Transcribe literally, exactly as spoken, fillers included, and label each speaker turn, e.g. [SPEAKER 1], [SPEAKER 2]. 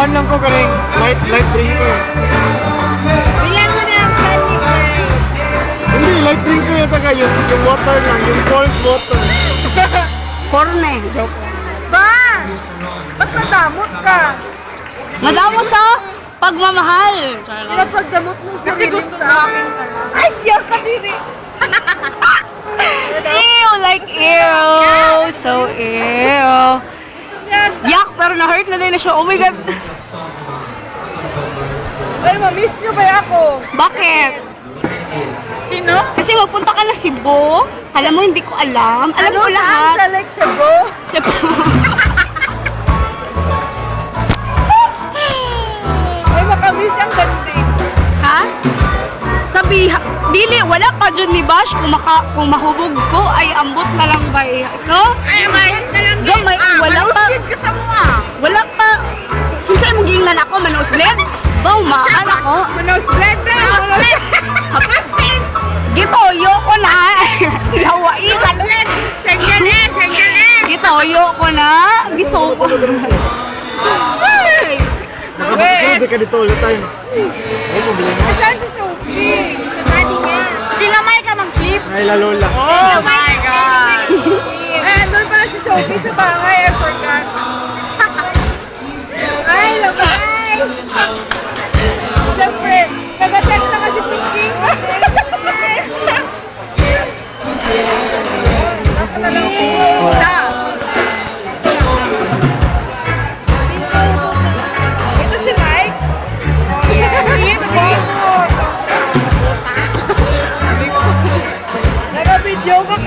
[SPEAKER 1] kuhan lang ko karing light light drinker.
[SPEAKER 2] Bilan mo na ang candy girl.
[SPEAKER 1] Hindi, light drinker yung taga yung, yung water lang, yung cold water.
[SPEAKER 2] Korne. Joke.
[SPEAKER 3] Ba! Ba't nadamot ka?
[SPEAKER 2] Madamot sa pagmamahal.
[SPEAKER 3] Pinapagdamot mo sa
[SPEAKER 2] Kasi gusto
[SPEAKER 3] sa akin ka lang. Ay, yak ka diri!
[SPEAKER 2] Ew, like ew. So ew. Yak, pero na-hurt na din na siya. Oh my God.
[SPEAKER 3] Ay, mamiss niyo ba ako?
[SPEAKER 2] Bakit?
[SPEAKER 3] Sino?
[SPEAKER 2] Kasi magpunta ka na Cebu. Alam mo, hindi ko alam. Alam
[SPEAKER 3] Ano
[SPEAKER 2] ko
[SPEAKER 3] saan
[SPEAKER 2] lahat.
[SPEAKER 3] sa Lake Cebu?
[SPEAKER 2] Cebu.
[SPEAKER 3] Ay, makamiss ang ganding.
[SPEAKER 2] Ha? Sabi, dili, wala pa dyan ni Bash. Kung, maka, kung mahubog ko, ay ambot na lang ba eh. No?
[SPEAKER 3] Ay, may na lang
[SPEAKER 2] Go, may, wala pa.
[SPEAKER 3] ka sa mga.
[SPEAKER 2] Wala pa. Kinsa mo gingan ako, manos blend? Baw, maan ako.
[SPEAKER 3] Manos blend na! Manos blend! Kapastin!
[SPEAKER 2] Gitoyo ko na. Lawai ka na.
[SPEAKER 3] Sanggali! Sanggali!
[SPEAKER 2] Gitoyo ko na. Giso ko.
[SPEAKER 3] Ay!
[SPEAKER 1] Nakapagod ka dito all the time. Ay, problema.
[SPEAKER 3] Saan si Sophie? Sa daddy niya. Pilamay ka mag-flip.
[SPEAKER 1] Ay, lalo lang.
[SPEAKER 3] Oh my God! Eh, doon pa si Sophie sa bangay. I forgot. Ay, lamay! Siyempre, nag-text na kasi Chiking. Ako na lang pumunta. Ito si Mike? Yes. Nag-video ka